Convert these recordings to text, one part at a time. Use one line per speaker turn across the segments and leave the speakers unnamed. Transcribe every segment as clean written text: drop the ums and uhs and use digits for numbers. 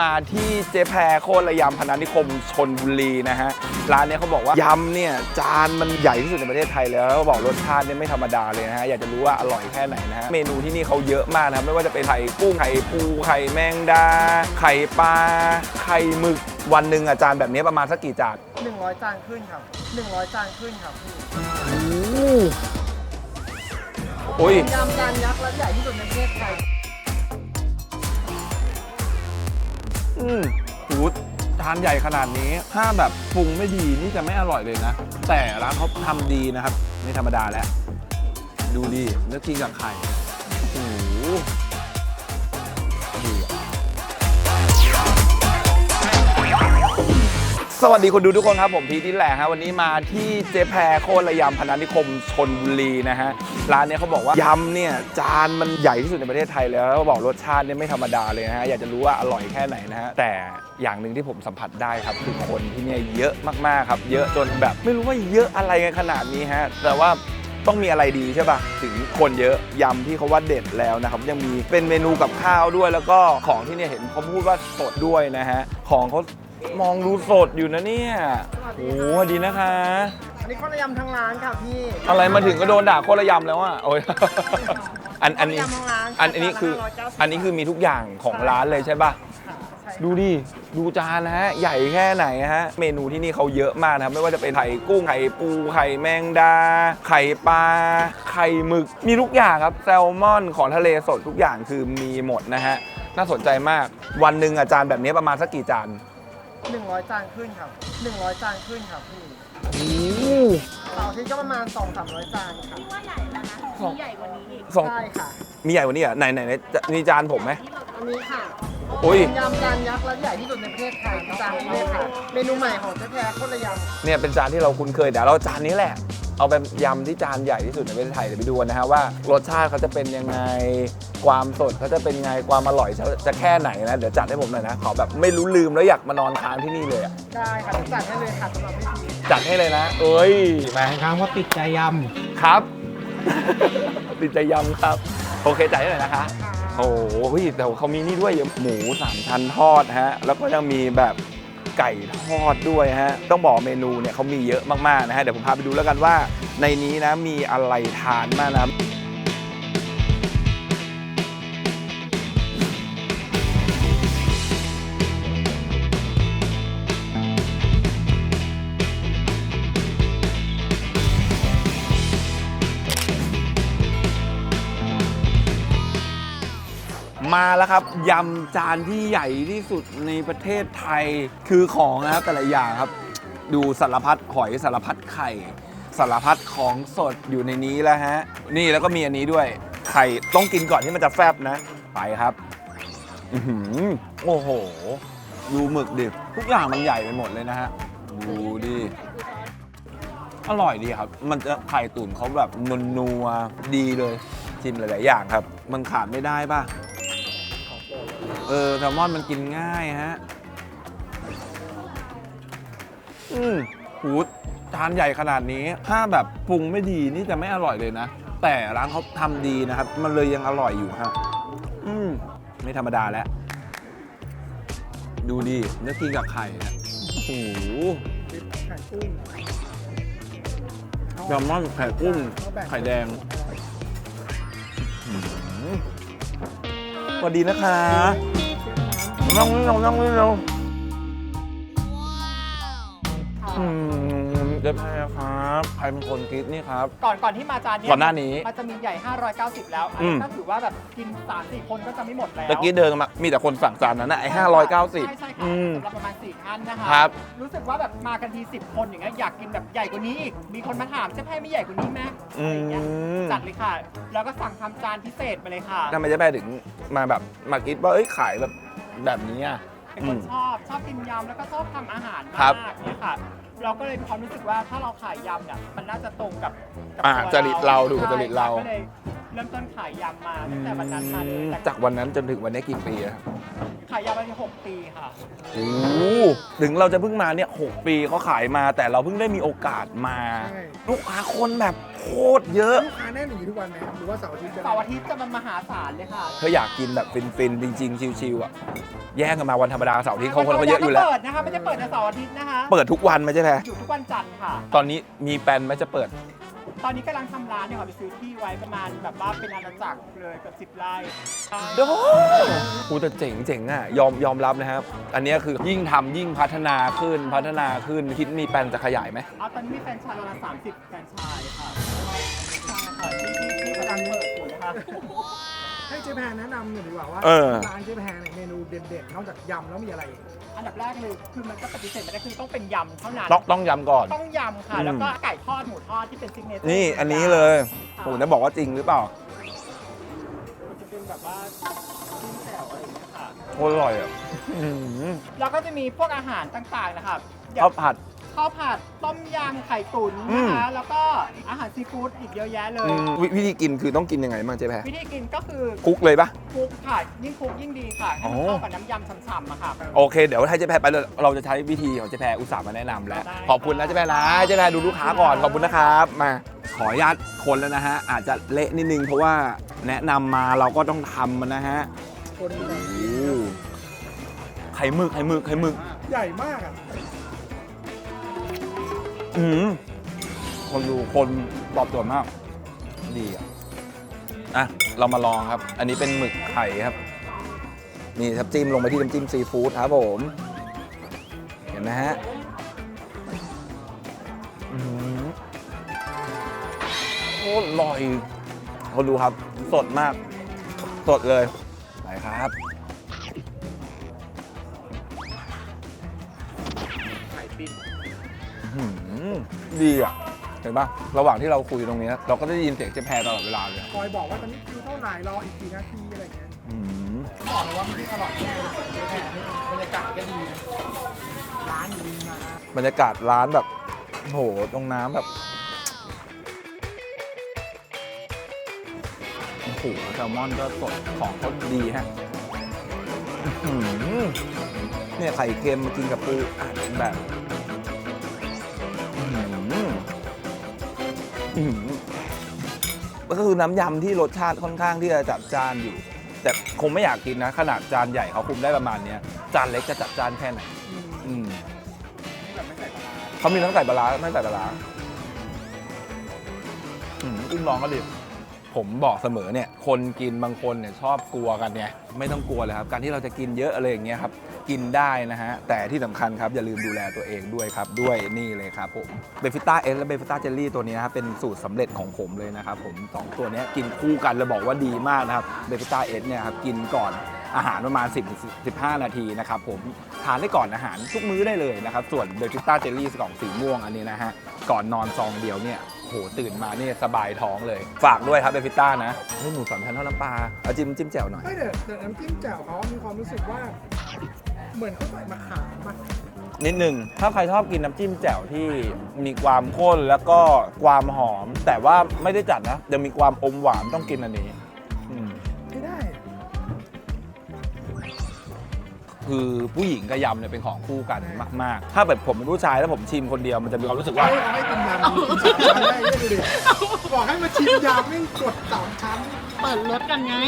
มาที่เจ๊แพรโคตรระยำพนัสนิคมชลบุรีนะฮะร้านนี้เขาบอกว่ายำเนี่ยจานมันใหญ่ที่สุดในประเทศไทยแล้วเขาบอกรสชาติเนี่ยไม่ธรรมดาเลยนะฮะอยากจะรู้ว่าอร่อยแค่ไหนนะฮะเมนูที่นี่เขาเยอะมากนะครับไม่ว่าจะเป็นไข่กุ้งไข่ปูไข่แมงดาไข่ปลาไข่หมึกวันหนึ่งอาจารย์แบบนี้ประมาณสักกี่จาน
100 จานขึ้นครับ100 จานขึ้นครับพี่
โอ้ย
ยำจานยักษ์และใหญ่ที่สุดในประเทศไทย
หูทานใหญ่ขนาดนี้ถ้าแบบปรุงไม่ดีนี่จะไม่อร่อยเลยนะแต่ร้านเขาทำดีนะครับไม่ธรรมดาแล้วดูดิเนื้อกินกับไข่โอ้โหสวัสดีคนดูทุกคนครับผมพีทนี่แหละฮะวันนี้มาที่เจ๊แพรโคตรระยำพนัสนิคมชลบุรีนะฮะร้านนี้เขาบอกว่ายำเนี่ยจานมันใหญ่ที่สุดในประเทศไทยแล้วเขาบอกรสชาติเนี่ยไม่ธรรมดาเลยนะฮะอยากจะรู้ว่าอร่อยแค่ไหนนะฮะแต่อย่างหนึ่งที่ผมสัมผัสได้ครับคือคนที่เนี่ยเยอะมากๆครับเยอะจนแบบไม่รู้ว่าเยอะอะไรกันขนาดนี้ฮะแต่ว่าต้องมีอะไรดีใช่ป่ะถึงคนเยอะยำที่เขาว่าเด็ดแล้วนะครับยังมีเป็นเมนูกับข้าวด้วยแล้วก็ของที่เนี่ยเห็นเขาพูดว่าสดด้วยนะฮะของเขามองดูสดอยู่นะเนี่ยโอ้สวัสดีนะคะ
อันนี้โคตรระยำทั้งร้านค่ะพี่
อะไรมาถึงก็โดนด่าโคตรระยำแล้วอ่ะโอ้ยอันนี้คือมีทุกอย่างของร้านเลยใช่ป่ะดูดิดูจานนะฮะใหญ่แค่ไหนฮะเมนูที่นี่เขาเยอะมากนะครับไม่ว่าจะเป็นไข่กุ้งไข่ปูไข่แมงดาไข่ปลาไข่หมึกมีทุกอย่างครับแซลมอนของทะเลสดทุกอย่างคือมีหมดนะฮะน่าสนใจมากวันหนึ่งอาจารย์แบบนี้ประมาณสักกี่จาน
100 จานขึ้นครับ100 จานขึ้นครับพี่เสาร์อาทิตย์ก็ประมาณ 200-300 จานครับ
ว่าใหญ่แล้วนะมีใหญ่กว่านี้อีก
ใช่ค่ะ
มีใหญ่กว่านี้เหรอไหนมีจานผมไหม
อันนี้ค่ะ
อุ้ย
ยำจานยักษ์และใหญ่ที่สุดในประเทศไทยจานนี้เลยค่ะเมนูใหม่ของเจ๊แพรโคตรระยำ
เนี่ยเป็นจานที่เราคุ้นเคยเดี๋ยวเราจานนี้แหละเอาไปยำที่จานใหญ่ที่สุดในประเทศไทยเดี๋ยวไปดูกันนะฮะว่ารสชาติเขาจะเป็นยังไงความสดเขาจะเป็นไงความอร่อยจะแค่ไหนนะเดี๋ยวจัดให้ผมหน่อยนะขอแบบไม่รู้ลืมแล้วอยากมานอนค้างที่นี่เลย
ได้ค่ะจัดให้เลยค่ะสำหรับพี่พี
จัดให้เลยนะเอ้ย
มาครั้งว่าติดใจยำ
ครับ ติดใจยำครับโอเคจ่ายให้หน่อยนะคะโอ้โหแต่เขามีนี่ด้วยหมู3 ชั้นทอดฮะแล้วก็ยังมีแบบไก่ทอดด้วยฮะต้องบอกเมนูเนี่ยเขามีเยอะมากๆนะฮะเดี๋ยวผมพาไปดูแล้วกันว่าในนี้นะมีอะไรทานมากนะมาแล้วครับยำจานที่ใหญ่ที่สุดในประเทศไทยคือของนะครับแต่ละอย่างครับดูสารพัดหอยสารพัดไข่สารพัดของสดอยู่ในนี้แล้วฮะนี่แล้วก็มีอันนี้ด้วยไข่ต้องกินก่อนที่มันจะแฟบนะไปครับโอ้โหดูหมึกดิทุกอย่างมันใหญ่ไปหมดเลยนะฮะดูดิอร่อยดีครับมันจะไข่ตุ๋นเขาแบบนัวๆดีเลยชิมหลายๆอย่างครับมันขาดไม่ได้ป่ะแซลมอนมันกินง่ายฮะหูทานใหญ่ขนาดนี้ถ้าแบบปรุงไม่ดีนี่จะไม่อร่อยเลยนะแต่ร้านเขาทำดีนะครับมันเลยยังอร่อยอยู่ฮะไม่ธรรมดาแล้วดูดิเนื้อกินกับไข่นะโอ้โหแซลมอนไข่กุ้งไข่แดงสวัสดีนะคะนั่งนี่เราเจ๊แพรครับใครเป็นคนคิดนี่ครับ
ก่อนที่มาจานนี้
ก่อนหน้านี้
มันจะมีใหญ่590แล้วอันนั้นก็ถือว่าแบบกิน 3-4 คนก็จะไม่หมดแล้ว
ตะกี้เดินมามีแต่คนสั่งจานนั้นนะไอ้590
ใช่ค่ะสำหรับประมาณ4 ท่านนะคะ
ครับ
รู้สึกว่าแบบมากันที10 คนอย่างเงี้ยอยากกินแบบใหญ่กว่านี้อีกมีคนมาถามเจ๊แพรไม่ใหญ่กว่านี้ไหมจัดเลยค่ะแล้วก็สั่งทำจานพิเศษมาเลยค่ะ
ทำไมเจ๊แพรถึงมาแบบมาคิดว่าขายแบบนี้อ่ะ
เป็นคนชอบกินยำแล้วก็ชอบทำอาหารมากเนี่ยค่ะเราก็เลยมีความรู้สึกว่าถ้าเราขายยำเนี่ยมันน่าจะตรงกับ
จริตเราดูจริตเรา
ก็เลยเริ่มต้นขายยำมาตั้งแต่วันนั้นมาเลยแต่
จากวันนั้นจนถึงวันนี้กี่ปีอะ
ขายยำมาที่6 ปีค่ะ
โอ้ถึงเราจะเพิ่งมาเนี่ย6 ปีเขาขายมาแต่เราเพิ่งได้มีโอกาสมา
ใช่
ลูกค้าคนแบบโคตรเยอะ
ลูกค้าแน่นอย่างนี้ทุกวันไหมครับหรือว่าเสาร์อาทิตย์จะ
เสาร์อาทิตย์จะมันมหาศาลเลยค่ะ
ถ้าอยากกินแบบฟินๆ จริงๆ ชิวๆอ่ะแย่งกันมาวันธรรมดาเสาร์อาที่เขาคนเขาเยอะอยู่แล้ว
เปิดนะคะไม่ได้เปิดแต่เสาร์อาทิตย์นะคะ
เปิดทุกวันไหมใช่ไหม
อยู่ทุกวันจันทร์ค่ะ
ตอนนี้มีแปลนไหมจะเปิด
ตอนนี้กำลังทำร้านเนี่ยค่ะไปซื้อที่ไว้ประมาณแบบว่าเป็นอาณาจักรเลยเกับ10 ไร่
เดี๋ยวกูแต่เจ๋งๆอ่ะยอมรับนะครับ อันนี้คือยิ่งทำยิ่งพัฒนาขึ้นคิดมีแปลนจะขยายไหม
เอาตอนนี้มีแฟรนไชส์ประมาณ30 แฟรนไชส์ค่ะใช่ค่ะที่กำลังเปิดอยู่นะคะ
ให้เจ๊แพรแนะนำหน่อยดีกว่าว่า
เออ
ร้านเจ๊แพรเนี่ยเมนูเด่นๆนอกจากยำแล้วมีอะไรอีก
อันดับแรกเลยคือมันก็ปฏิเสธไม่ได้คือต้องเป็นยำเท่านั้น
ต้องย้ำก่อน
ต้องยำค่ะ แล้วก็ไก่ทอดหมูทอดที่เป็นซิกเนเจอร์
นี่อันนี้เลยผมจะบอกว่าจริงหรือเปล่า
มันจะเป็นแบบว่าจิ้มแจ่วอะไรอย่างเงี้ยค่ะ
โคตรอร่อยอ่ะอื้อหือ
แล้วก็จะมีพวกอาหารต่างๆนะครับอย่ง
ข้าวผัด
ข้าวผัดต้มยำไข่ตุ๋นนะคะ แล้วก็อาหารซีฟู้ดอีกเยอะแยะเลย
วิธีกินคือต้องกินยังไงบ้างเจ๊แพร
วิธีกินก็คือ
คลุกเลยปะ
คลุกค่ะยิ่งคลุกยิ่งดีค่ะให้มัน
อ๋อ
เข้ากับน้ำยำฉ่ำๆอะค่ะ
โอเค เดี๋ยวให้เจ๊แพรไปเลยเราจะใช้วิธีของเจ๊แพรอุตส่าห์มาแนะนำแล้ว
ได้
ขอบคุณนะเจ๊แพรนะเจ๊แพรดูลูกค้าก่อนขอบคุณนะครับมาขออนุญาตคนแล้วนะฮะอาจจะเละนิดนึงเพราะว่าแนะนำมาเราก็ต้องทำมันนะฮะ
คน
โอ้โหไข่หมึก
ใหญ่มากอ่ะ
อืมคนดูคนตอบโจทย์มากดีอ่ะเรามาลองครับ อันนี้เป็นหมึกไข่ครับนี่ครับจิ้มลงไปที่น้ำจิ้มซีฟู้ดครับผมเห็นไหมฮะอืมโคตรอร่อยคนดูครับสดมาก สดเลยไปครับ
ไข่ปิ้ง
อื้อหือดีอ่ะ เห็นปะระหว่างที่เราคุยตรงเนี้ยเราก็ได้ยินเสียงเจ๊แพรตลอดเวลาเลย
คอยบอกว่าตอนนี้คิวเท่าไหร่รออีกกี่นาทีอะไรอย่างเงี้ย
อื้อหือ
บอกเลยว่ามันอร่อยแน่เลยเจ๊แพรนี่บรรยากาศก็ดีนะร้านอยู่ริมน้ำ
บรรยากาศร้านแบบโหตรงน้ำแบบโอ้โหแซลมอนก็สดของเขาดีฮะอื้อหือเนี่ยไข่เค็มมากินกับปูอัดแบบอื้อหืออื้อหือก็คือน้ำยำที่รสชาติค่อนข้างที่จะจัดจ้านอยู่ แต่คงไม่อยากกินนะ ขนาดจานใหญ่เขาคุมได้ประมาณเนี้ยจานเล็กจะจัดจ้านแค่ไหน อืม
นี่แบบไม่ใส่ปลาร้า
เขามีทั้งใส่ปลาร้าไม่ใส่ปลาร้าอุ้มน้องก็ดิผมบอกเสมอเนี่ย คนกินบางคนเนี่ยชอบกลัวกันเนี่ยไม่ต้องกลัวเลยครับ การที่เราจะกินเยอะอะไรอย่างเงี้ยครับ กินได้นะฮะ แต่ที่สำคัญครับ อย่าลืมดูแลตัวเองด้วยครับ ด้วยนี่เลยครับผมเบฟิต้าเอสและเบฟิต้าเจลลี่ตัวนี้นะครับเป็นสูตรสำเร็จของผมเลยนะครับผมสองตัวเนี้ยกินคู่กันแล้วบอกว่าดีมากนะครับเบฟิต้าเอสเนี่ยครับกินก่อนอาหารประมาณ 10-15 นาทีนะครับผมทานได้ก่อนอาหารทุกมื้อได้เลยนะครับส่วนเบฟิต้าเจลลี่กล่องสีม่วงอันนี้นะฮะก่อนนอนซองเดียวเนี่ยโหตื่นมาเนี่ยสบายท้องเลย ฝากด้วยครับเบฟิต้านะให้หมูสามชั้นทอดน้ำปลาเอาจิ้มแจ่วหน่อย
ไม่แต่น้ำจิ้มแจ่วเขามีความรู้สึกว่า เหมือนเขาใส่มะขามมา
นิดนึงถ้าใครชอบกินน้ำจิ้มแจ่วที่มีความข้นแล้วก็ความหอม แต่ว่าไม่ได้จัดนะยังมีความอมหวานต้องกินอันนี้อืม
ไม่ได้
คือผู้หญิงกับยำเนี่ยเป็นของคู่กันมาก ๆ ถ้าแบบผมเป็นผู้ชายแล้วผมชิมคนเดียวมันจะมีความรู้สึกว่า
ให้กินยำกินสามชั้นได้เนี่ยดูดิบอกให้มาชิมยำแม่งกดสามชั้น
เปิดรถกันไง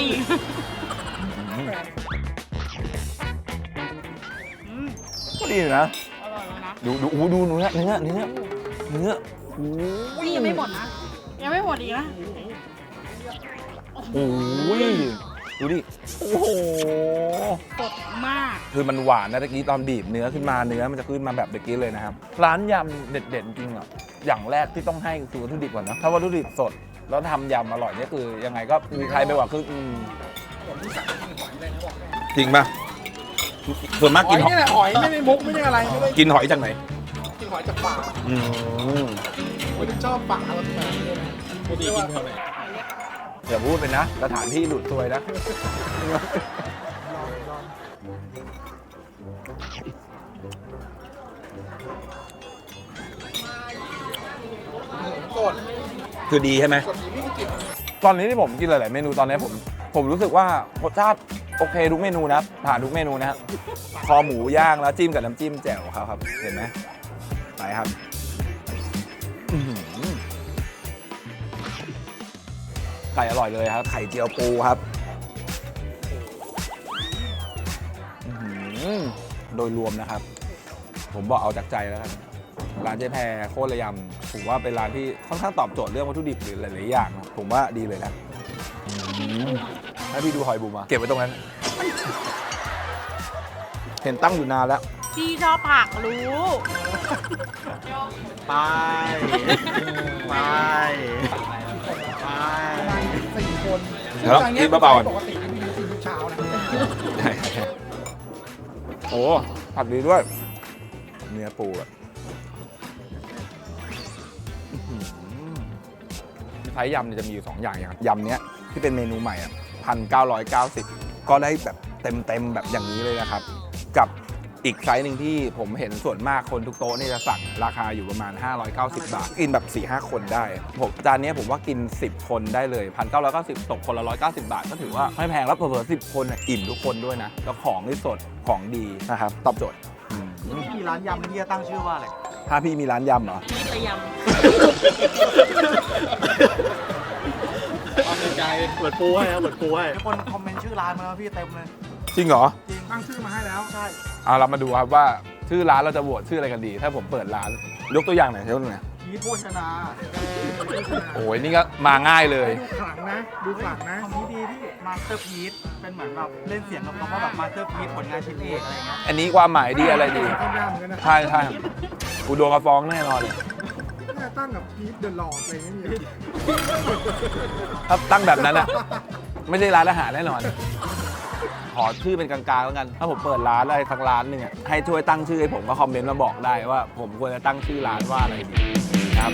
ก็ดีอยู่นะ
อร่อยแล้วนะ
ดูเนื้อโอ้
นี่ยังไม่หมดนะ ยังไม่หมดอีกนะ
โหดูดิโอ้โห
สดมาก
คือมันหวานนะตะกี้ตอนบีบเนื้อขึ้นมาเนื้อมันจะขึ้นมาแบบตะกี้เลยนะครับร้านยำเด็ดๆจริงอ่ะอย่างแรกที่ต้องให้คือวัตถุดิบก่อนนะถ้าวัตถุดิบสดแล้วทำยำอร่อยเนี่ยคือยังไงก็มีใครไปกว่าครึ่งจริงป่ะส่วนมาก
ห
กิ
อน ย
หอย
นี่แหละหอยไม่ได้มุกไม่ได้อะไรไม่ได้
กินหอยจากไหน
กินหอยจากป่า
อืม
ผมชอบป่าแบบไหนเนี่ยนะปกติกินเท่าไหร่
อย่าพูดไปนะสถานที่ดูดซวยนะ
สด
คือดีใช่ไหม
สดดีไม่มีกลิ่น
ตอนนี้ที่ผมกินหลายๆเมนูตอนนี้ผมรู้สึกว่ารสชาติโอเคทุกเมนูนะผ่านทุกเมนูนะฮะคอหมูย่างแล้วจิ้มกับน้ำจิ้มแจ่วครับเห็นไหมไปครับอื้อหือไก่อร่อยเลยครับไข่เจียวปูครับอื้อหือโดยรวมนะครับ ผมบอกเอาจากใจแล้วกันร้านเจ๊แพรโคตรระยำผมว่าเป็นร้านที่ค่อนข้างตอบโจทย์เรื่องวัตถุดิบหรือหลายๆอย่างนะผมว่าดีเลยนะถ้าพี่ดูหอยบุ๋มอะเก็บไว้ตรงนั้น เห็นตั้งอยู่นานแล้ว
พี่ชอบผักรู้
ไปไปไป
4 คน
เดี๋ยวกินเบาๆก่อน
ปกติไม่มีกินทุกเช้านะ
โอ้ผัดดีด้วย เนื้อปูแบบไซส์ยำเนี่ยจะมีอยู่ 2 อย่างยำเนี้ยที่เป็นเมนูใหม่อ่ะ1,990 ก็ได้แบบเต็มแบบอย่างนี้เลยนะครับ กับอีกไซส์หนึ่งที่ผมเห็นส่วนมากคนทุกโต๊ะนี่จะสั่งราคาอยู่ประมาณ 590 บาท กินแบบ 4-5 คนได้ผมจานนี้ผมว่ากิน 10 คนได้เลย 1,990 ตกคนละ 190 บาท ก็ถือว่าไม่แพงแล้วเผลอๆ10 คนอิ่มทุกคนด้วยนะ แล้วของที่สดของดีนะครับตอบโจทย์
มีร้านยำที่จะตั้งชื่อว่าอะไร
ถ้าพี่มีร้านยำเหรอ
พี่จะย
ความในใจเปิดปูให้ครับเปิดปูให้คนคอมเมนต์ชื่อร้านมาแล้วพี่เต็มเลย
จริงเหรอ
จริงตั้งชื่อมาให้แล้วใช่
เอาเรามาดูครับว่าชื่อร้านเราจะโหวตชื่ออะไรกันดี ถ้าผมเปิดร้านยกตัวอย่างหน่อยเท่าไหร่
พีทโภชนา
โอ้ยนี่ก็มาง่ายเลย
ดูขลังนะดูขลังนะคำนี้ดีพี่มาสเตอร์พีทเป็นเหมือนแบบเล่นเสียงกับคำว่าแบบมาสเตอร์พีทผลงานชิ้นเอกอะไรเงี้ย
อันนี้ความหมายดีอะไรดี
ต้นยำเหมือนกันนะ
ใช่ใช่กูโดนกระฟ้องแน่นอนเลย
ตั้งกับพีทเดอะหลอดอะไรเงี้ย
ถ้าตั้งแบบนั้นอะไม่ใช่ร้านอาหารแน่นอน ขอชื่อเป็นกลางๆแล้วกัน ถ้าผมเปิดร้านอะไรสักร้านหนึ่งอะให้ช่วยตั้งชื่อให้ผมก็คอมเมนต์มาบอกได้ว่า ผมควรจะตั้งชื่อร้านว่าอะไรดีนะครับ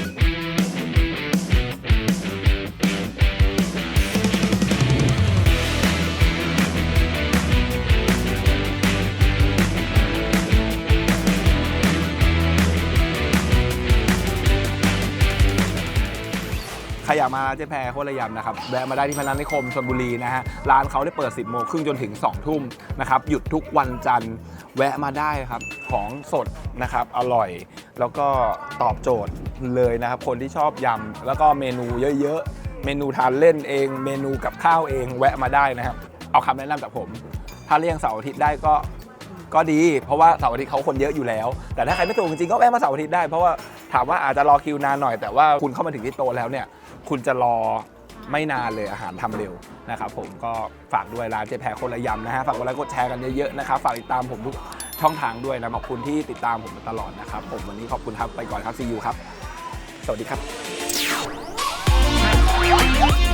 ใครอยากมาเจ๊แพรโคตรระยำนะครับแวะมาได้ที่พนัสนิคมชลบุรีนะฮะร้านเขาได้เปิด 10 โมงครึ่งจนถึง 2 ทุ่มนะครับหยุดทุกวันจันทร์แวะมาได้ครับของสดนะครับอร่อย แล้วก็ตอบโจทย์เลยนะครับคนที่ชอบยำแล้วก็เมนูเยอะๆเมนูทานเล่นเองเมนูกับข้าวเองแวะมาได้นะครับเอาคำแนะนำจากผมถ้าเลี่ยงเสาร์อาทิตย์ได้ก็ดีเพราะว่าเสาร์อาทิตย์เขาคนเยอะอยู่แล้วแต่ถ้าใครไม่สะดวกจริงๆก็แวะมาเสาร์อาทิตย์ได้เพราะว่าถามว่าอาจจะรอคิวนานหน่อยแต่ว่าคุณเข้ามาถึงที่โต๊ะแล้วเนี่ยคุณจะรอไม่นานเลยอาหารทำเร็วนะครับผมก็ฝากด้วยร้านเจ๊แพรโคตรระยำนะฮะฝากกดไลค์กดแชร์กันเยอะๆนะครับฝากติดตามผมทุกช่องทางด้วยนะขอบคุณที่ติดตามผมมาตลอดนะครับผมวันนี้ขอบคุณครับไปก่อนครับซียูครับสวัสดีครับ